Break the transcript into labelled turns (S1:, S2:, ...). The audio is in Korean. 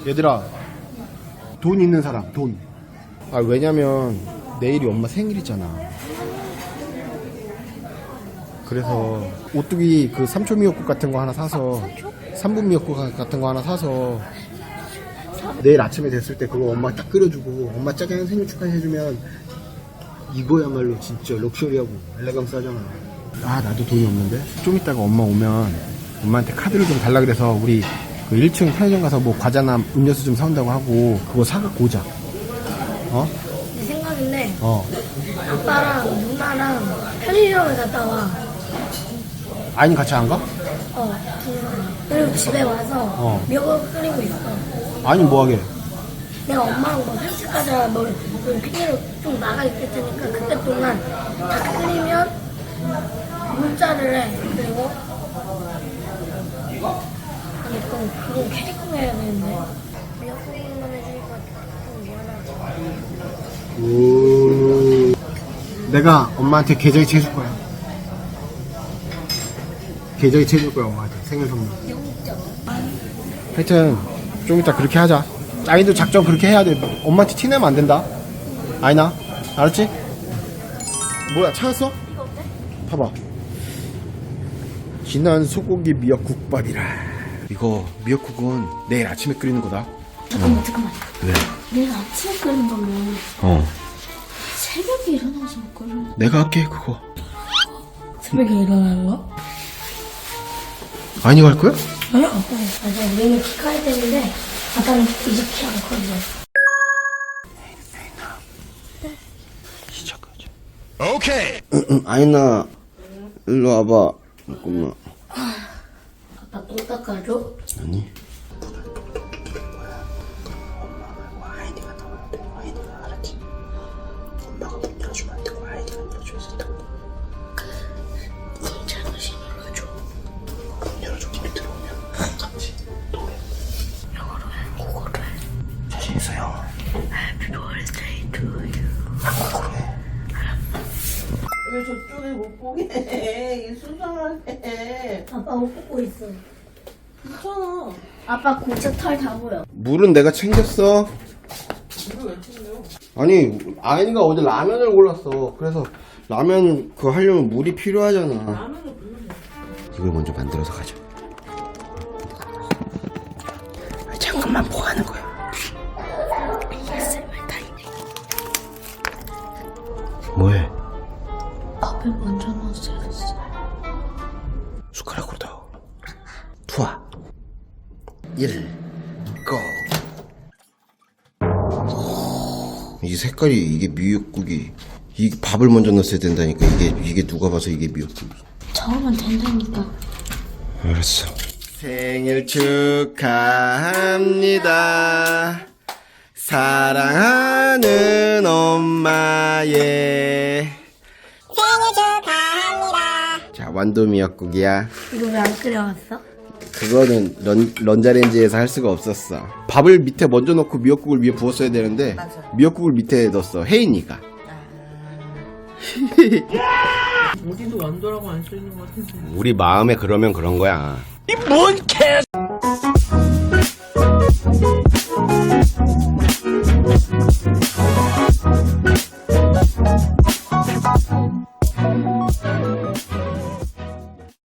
S1: 얘들아, 돈 있는 사람, 돈. 아, 왜냐면 내일이 엄마 생일이잖아. 그래서 오뚜기 그 삼초 미역국 같은 거 하나 사서, 3분 미역국 같은 거 하나 사서 내일 아침에 됐을 때 그거 엄마 딱 끓여주고 엄마 짜장 생일 축하해주면 이거야말로 진짜 럭셔리하고 엘레강스 하잖아. 아, 나도 돈이 없는데 좀 이따가 엄마 오면 엄마한테 카드를 좀 달라 그래서 우리 그 1층 편의점 가서 뭐 과자나 음료수 좀 사온다고 하고 그거 사갖고 오자. 어?
S2: 내 생각인데
S1: 어.
S2: 아빠랑 누나랑 편의점에 갔다 와.
S1: 아이는 같이 안 가?
S2: 둘이서. 그리고 집에 와서 미역을 끓이고 있어.
S1: 아니 뭐하게?
S2: 내가 엄마랑 뭐 산책 가자 뭐 핑계로 좀 나가 있을 테니까 그때 동안 다 끓이면 문자를 해. 그리고 아니 그건 캐릭터 해야 되는데 미역국만 해주니까 좀 미안하다.
S1: 내가 엄마한테 계좌이체 해줄 거야. 계좌이체 해줄 거야 엄마한테 생일 선물. 하여튼 좀 이따 그렇게 하자. 아이도 작전 그렇게 해야 돼. 엄마한테 티내면 안 된다. 아이나 알았지? 뭐야 찾았어?
S2: 이거 어때?
S1: 봐봐. 진한 소고기 미역국밥이라. 이거 미역국은 내일 아침에 끓이는 거다.
S2: 잠깐만.
S1: 왜?
S2: 내일 아침에 끓인 거면 새벽에 일어나서 끓여.
S1: 내가 할게 그거.
S2: 새벽에 일어나는
S1: 아니 갈 거야?
S2: 아니요. 맞아. 우리는 키 커야 되는데 아빠는 이제 키 안 커져.
S1: 시작하자. 오케이. 아이나 일로 와봐. 잠깐만.
S2: 아빠 똥 닦아줘?
S1: 아니.
S3: 왜 저쪽에 못 보게 해? 수상하게.
S2: 아빠 옷 벗고 있어.
S3: 괜찮아.
S2: 아빠 고체 털 다 보여.
S1: 물은 내가 챙겼어.
S3: 물을 왜 챙겨?
S1: 아니 아이가 어제 라면을 골랐어. 그래서 라면 그거 하려면 물이 필요하잖아.
S3: 라면을 불러.
S1: 이걸 먼저 만들어서 가자. 잠깐만 뭐 하는 거야? 뭐해?
S2: 밥을 먼저 넣었어야 했어.
S1: 숟가락으로 넣어. 투하. 1 고. 이 색깔이 이게 미역국이 이게 밥을 먼저 넣었어야 된다니까. 이게 누가 봐서 이게 미역국이.
S2: 저으면 된다니까.
S1: 알았어. 생일 축하합니다. 사랑하는 엄마의 생일 축하합니다. 자, 완도 미역국이야.
S2: 이거 왜 안 끓여왔어?
S1: 그거는 런자렌지에서 할 수가 없었어. 밥을 밑에 먼저 넣고 미역국을 위에 부었어야 되는데
S3: 맞아.
S1: 미역국을 밑에 넣었어. 혜인이가.
S3: 어디도 완도라고 안 써있는 것 같은데.
S1: 우리 마음에 그러면 그런 거야.